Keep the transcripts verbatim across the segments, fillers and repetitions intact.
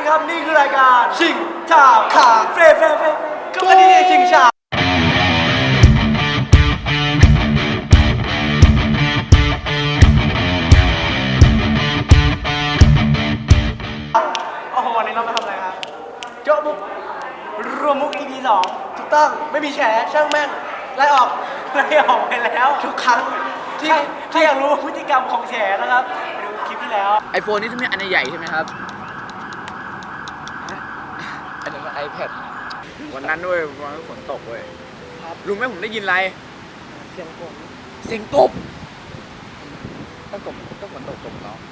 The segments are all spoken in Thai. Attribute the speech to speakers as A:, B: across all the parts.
A: ดีครับนี่คือรายการชิงชาขาเฟรเฟรเฟรก็วันนี้ชิงชาโอ้โหวันนี้เรามาทำอะไรครับโจ๊ะมุกรวมมุก อี พี สองถูกต้องไม่มีแฉช่างแม่งไล่ออกไล่ออกไปแล้วทุกครั้งที่ถ้าอยากรู้พฤติกรรมของแฉนะครับไปดูคลิปที่แล้ว
B: ไอโฟนนี่ต้องมีอันใหญ่ใช่ไหมครับอันนั้นไอแพดวันนั้นด้วยวันนั้นฝนตกเว้ยรู้ไหมผมได้ยินอะไรเสียงฝนเสียงกบต้องกบต้องฝนตกกบเนาะ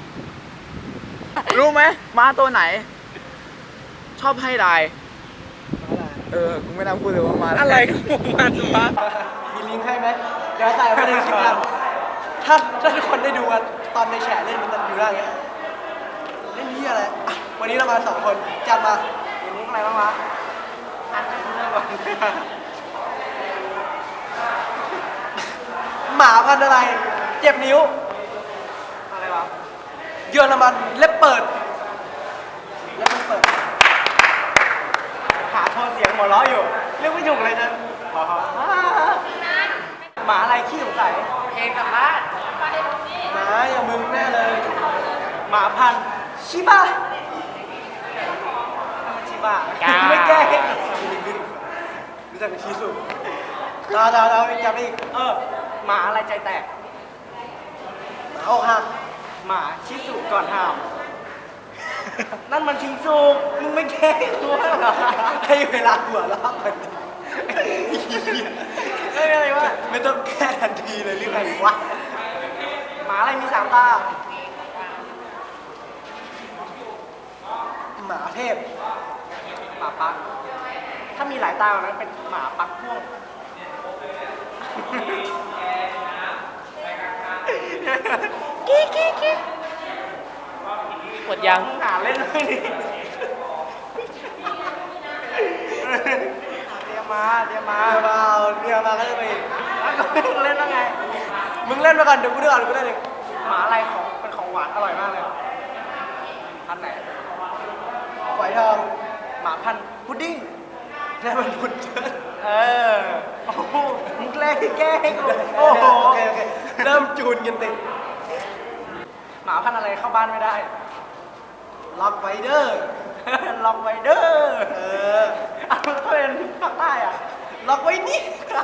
B: รู้ไหมม้าตัวไหน ชอบให้ได้เออกูไม่น่าพูดเลยว่ามาอะไรของมันวะ
A: มีลิงก์ให้ไหมเดี๋ยวใส่ไว้ในคลิปกันถ้าถ้าทุกคนได้ดูกันตอนในแฉเล่นมันจะอยู่ได้ไงเล่นนี้อะไรอ่ะวันนี้เรามาสองคนจัดมามีลิงก์อะไรบ้างวะอ่านเรื่องก่อนหมาพันธุ์อะไรเจ็บนิ้วอะไรวะเยอรมันเล็บเปิดเล็บเปิดหาโทนเสียงหัวเราะอยู่เรื่องไม่ถูกเลยจะหมาอะไรขี้สงสัยเพลงกับบ้านหมาอย่างมึงแน่เลยหมาพันธุ์ชิบะชิบะไม่แก้รู้จักชิสุเราเราเราจำได้อีกเออหมาอะไรใจแตกหมาอกหักหมาชิสุก่อนห้ามนั่นมันชิงซูมึงไม่แก้ตัวหรอให้เวลาหัวเราะกันไม่อะไรวะไม่ต้องแก้ทันทีเลยหรือไงวะหมาอะไรมีสามตาหมาเทพหมาปักถ้ามีหลายตานั้นเป็นหมาปักพ่วงกี้กี้กี้
B: หมดยัง
A: หาเล่นเลยนี่เตรียมมาเตรียมมาเปล่าเตรียมมาก็จะไปเล่นแล้วไงมึงเล่นมาก่อนเดี๋ยวกูเลือกเอาเดี๋ยวกูเล่นเองหมาอะไรของเป็นของหวานอร่อยมากเลยพันไหนฝอยทองหมาพันพุดดิ้งนี่มันพุดเดิ้ลเออโอ้โหมึงแกล้งแกล้งกูโอ้โหโอเคโอเคเริ่มจูนกันติดหมาพันอะไรเข้าบ้านไม่ได้ล็อกไวเดอร์ล็อกไวเดอร์เออเอาถ้าเป็นภาคใต้อะล็อกไว้นี่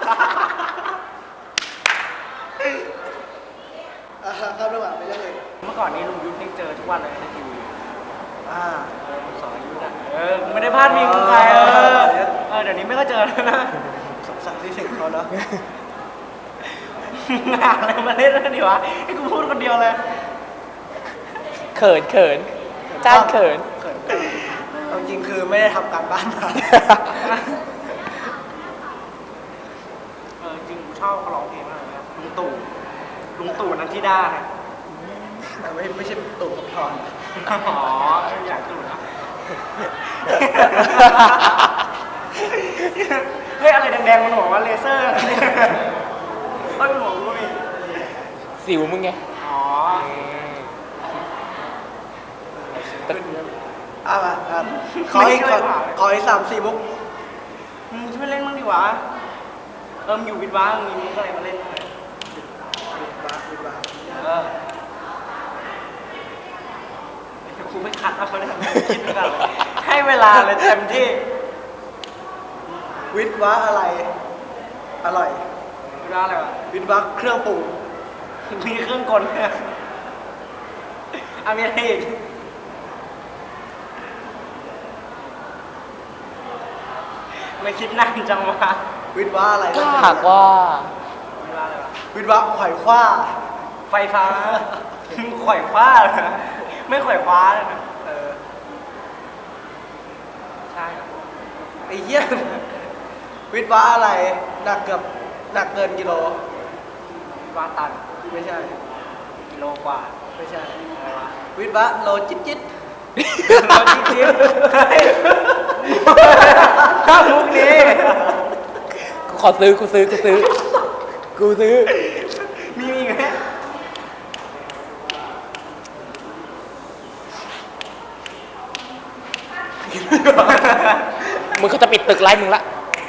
A: เข้าระหว่างไปเรื่อยเมื่อก่อนนี้ลุงยุทธนี่เจอทุกวันเลยในทีวีอ่าสอนยุทธอะเออไม่ได้พลาดมีใครเออเออเดี๋ยวนี้ไม่ก็เจอแล้วนะสงสารที่ถึงเขาเนาะงานอะไรมาเล่นแล้วนี่วะให้กูพูดคนเดียวเลย
B: เขินเขินจ้านเขิน
A: จริงคือไม่ได้ทำการบ้านมาเออจริงกูชอบเขาร้องเพลงมากเลยลุงตู่ลุงตู่นันทิดาไงไม่ไม่ใช่ตู่กับทอนอ๋ออยากตู่นะเฮ้ยอะไรแดงๆมันหัวว่าเลเซอร์เฮ้ยมันหัวกูมี
B: สิวมึงไง
A: อ๋ออ่ะมาขออีกขออีกสามสี่มุกมึงช่วยเล่นบ้างดิวะเออมอยู่วิทย์วะมีมุกอะไรมาเล่นไหมวิทย์วะวิทย์วะเออครูไม่คัดเอาเลยคิดไปก่อนให้เวลาเลยเต็มที่วิทย์วะอะไรอร่อยวิทย์วะอะไรวะวิทย์วะเครื่องปรุงมีเครื่องกลอ่ะมีอะไรอีกไม่คิดนานจังวะวิทย์ว่าอะไร
B: ถ้าหากว่า
A: วิทย์ว่าไขว่คว้าไฟฟ้าไขว่คว้าไม่ไขว่คว้าเลยนะเออใช่ไอ้เหี้ยวิทย์ว่าอะไรหนักเกือบหนักเกินกิโลวิทย์ว่าตันไม่ใช่กิโลกว่าไม่ใช่วิทย์ว่าโลจิ๊ดจิ๊ดโลจิ๊ดจิ๊ดถ้ามุกนี้
B: กูขอซื้อกูซื้อกูซื้อกูซื้อ
A: มีมีไหม
C: มึงเขาจะปิดตึกไล่มึงละ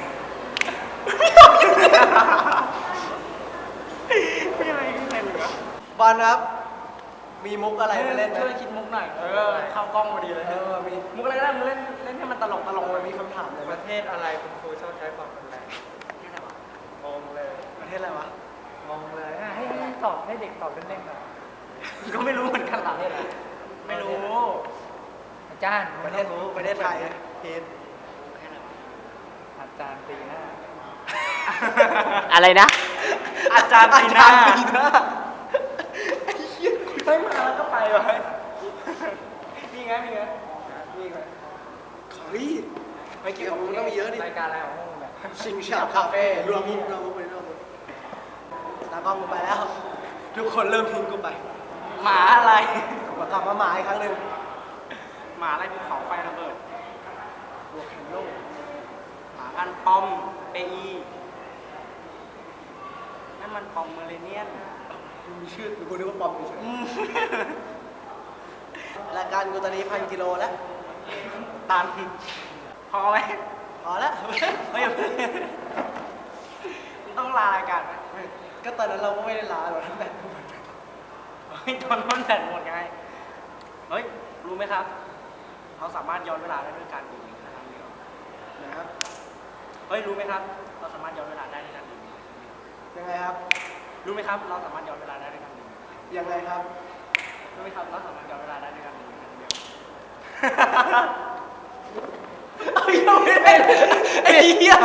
A: ไม่อะไรไม่อะไรเหลือบอลครับ มีมุกอะไรมาเล่นไหม
D: ช่วยคิดมุกหน่อย เออ เข้ากล้องพอดีเลย
A: เออมี
D: มุกอะไรก็ได้มึงเล่นเล่นให้มันตลกตลก
A: มันมีคำถามเลย
D: ป
A: ว่า
D: ระเทศอะไรคุณครูชอบใช้ความรุนแรงงงเลย
A: ประเทศอะไรวะ
D: งงเลยอ่ะให้ให้ตอบให้เด็กตอบเล่นๆหน่อยก็ไม่รู้เหมือนกันหรอไม่รู้ อาจารย์
A: ประเทศประเทศไทยเพน
D: อาจารย์ตีหน้า
C: อะไรนะ
D: อาจารย์ปีหน้า
A: อาจารย์ปีหน้า
D: ไม่มาแล้วก็ไปวะมีไงมีไงมีไง
A: เฮ้ยไม่เกี่ยวกับมุกต้องมีเยอะดิ
D: รายการอะไรของมึงเนี่ย
A: ชิงชาคาเฟ่รวมมุกรวมมุกไปรวมมุกตากล้องกูไปแล้ว ทุกคนเริ่มทิ้งกูไป
D: หมาอะไร
A: มากลับมาหมาอีกครั้งหนึ่ง
D: หมาอะไรภูเขาไฟระเบิด
A: บวกแคนโล
D: หมาพันปอมเปอีนั่นมันปอมเมอเรเนียน
A: มีชื่อกูนึกว่าปอมเฉยๆรายการกูตอนนี้พันกิโลแล้ว
D: ตันพอไหม
A: พอแล้ว
D: เฮ้ยมันต้องลารายการไหม
A: ก็ตอนนั้นเราก็ไม่ได้ลาหรอกแต่
D: เฮ้ยโดนต้นแดดหมดไง เฮ้ย รู้ไหมครับ เราสามารถย้อนเวลาได้ด้วยการดื่มนะครับ
A: นะครับ
D: เฮ้ย รู้ไหมครับ เราสามารถย้อนเวลาได้ด้วยการดื่ม
A: ยังไงครับ
D: รู้ไหมครับ เราสามารถย้อนเวลาได้ด้วยการดื่ม
A: ยังไงครับ
D: รู้ไหมครับ เราสามารถย้อนเวลาได้ด้วยการดื่มเดียว
A: เอายังไม่ได้เลยไอ้เหี้ย